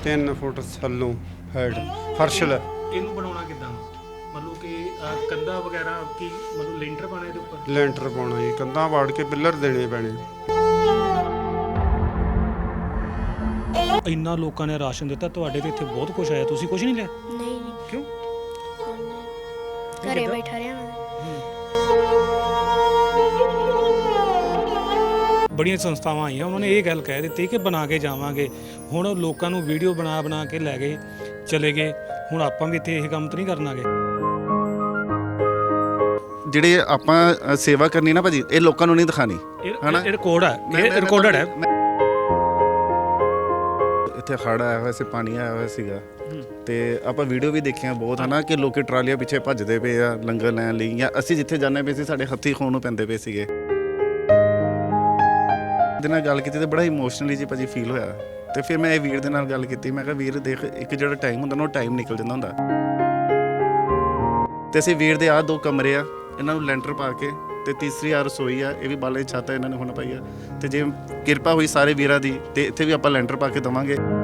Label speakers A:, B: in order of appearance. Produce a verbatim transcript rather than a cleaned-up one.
A: तीन foot थल्लों height फर्श लै
B: ਇਹਨੂੰ ਬਣਾਉਣਾ ਕਿੱਦਾਂ ਮਤਲਬ ਕਿ ਅਹ, ਕੰਧਾਂ ਵਗੈਰਾ ਕੀ ਮਤਲਬ ਲੈਂਟਰ ਪਾਣਾ ਇਹਦੇ ਉੱਪਰ
A: ਲੈਂਟਰ ਪਾਉਣਾ ਜੀ, ਕੰਧਾਂ ਵਾੜ ਕੇ ਪਿੱਲਰ ਦੇਣੇ ਪੈਣੇ।
B: ਇੰਨਾ ਲੋਕਾਂ ਨੇ ਰਾਸ਼ਨ ਦਿੱਤਾ, ਤੁਹਾਡੇ ਤੇ ਇੱਥੇ ਬਹੁਤ ਕੁਝ ਆਇਆ, ਤੁਸੀਂ ਕੁਝ ਨਹੀਂ ਲਿਆ?
C: ਨਹੀਂ ਜੀ
B: ਕਿਉਂ?
C: ਘਰੇ ਬੈਠਾ ਰਿਹਾ ਮੈਂ।
B: ਬੜੀਆਂ ਸੰਸਥਾਵਾਂ ਆਈਆਂ, ਉਹਨਾਂ ਨੇ ਇਹ ਗੱਲ ਕਹਿ ਦਿੱਤੀ ਕਿ ਬਣਾ ਕੇ ਜਾਵਾਂਗੇ। ਹੁਣ ਲੋਕਾਂ ਨੂੰ ਵੀਡੀਓ ਬਣਾ ਬਣਾ ਕੇ ਲੈ ਗਏ, ਚਲੇ ਗਏ। ਹੁਣ ਆਪਾਂ ਵੀ ਇੱਥੇ ਇਹ ਕੰਮ ਤਾਂ ਨਹੀਂ ਕਰਨਾਗੇ।
D: ਜਿਹੜੇ ਆਪਾਂ ਅ, ਸੇਵਾ ਕਰਨੀ ਨਾ ਭਾਜੀ, ਇਹ ਲੋਕਾਂ ਨੂੰ ਨਹੀਂ ਦਿਖਾਣੀ।
B: ਇਹ ਰਿਕਾਰਡ ਹੈ, ਇਹ ਰਿਕਾਰਡਡ ਹੈ।
D: ਇੱਥੇ ਹੜ੍ਹ ਆਇਆ ਹੋਇਆ ਸੀ, ਪਾਣੀ ਆਇਆ ਹੋਇਆ ਸੀਗਾ, ਤੇ ਆਪਾਂ ਵੀਡੀਓ ਵੀ ਦੇਖੀਆਂ ਬਹੁਤ ਹੈ ਨਾ ਕਿ ਲੋਕੀ ਟਰਾਲੀਆਂ ਪਿੱਛੇ ਭੱਜਦੇ ਪਏ ਆ ਲੰਗਰ ਲੈਣ ਲਈ, ਜਾਂ ਅਸੀਂ ਜਿੱਥੇ ਜਾਂਦੇ ਪਏ ਸੀ ਸਾਡੇ ਹੱਥੀਂ ਖੋਣ ਨੂੰ ਪੈਂਦੇ ਪਏ ਸੀਗੇ। ਦੇ ਨਾਲ ਗੱਲ ਕੀਤੀ ਤੇ ਬੜਾ ਇਮੋਸ਼ਨਲੀ ਜੀ ਭਾਜੀ ਫੀਲ ਹੋਇਆ। ਤੇ ਫਿਰ ਮੈਂ ਇਹ ਵੀਰ ਦੇ ਨਾਲ ਗੱਲ ਕੀਤੀ, ਮੈਂ ਕਿਹਾ ਵੀਰ ਦੇਖ, ਇੱਕ ਜਿਹੜਾ ਟਾਈਮ ਹੁੰਦਾ ਨਾ ਉਹ ਟਾਈਮ ਨਿਕਲ ਜਾਂਦਾ ਹੁੰਦਾ। ਤੇ ਅਸੀਂ ਵੀਰ ਦੇ ਆਹ ਦੋ ਕਮਰੇ ਆ, ਇਹਨਾਂ ਨੂੰ ਲੈਂਟਰ ਪਾ ਕੇ, ਤੇ ਤੀਸਰੀ ਆ ਰਸੋਈ ਆ, ਇਹ ਵੀ ਬਾਲੇ ਛੱਤ ਇਹਨਾਂ ਨੇ ਹੁਣ ਪਾਈ ਆ। ਤੇ ਜੇ ਕਿਰਪਾ ਹੋਈ ਸਾਰੇ ਵੀਰਾਂ ਦੀ ਤੇ ਇੱਥੇ ਵੀ ਆਪਾਂ ਲੈਂਟਰ ਪਾ ਕੇ ਦੇਵਾਂਗੇ।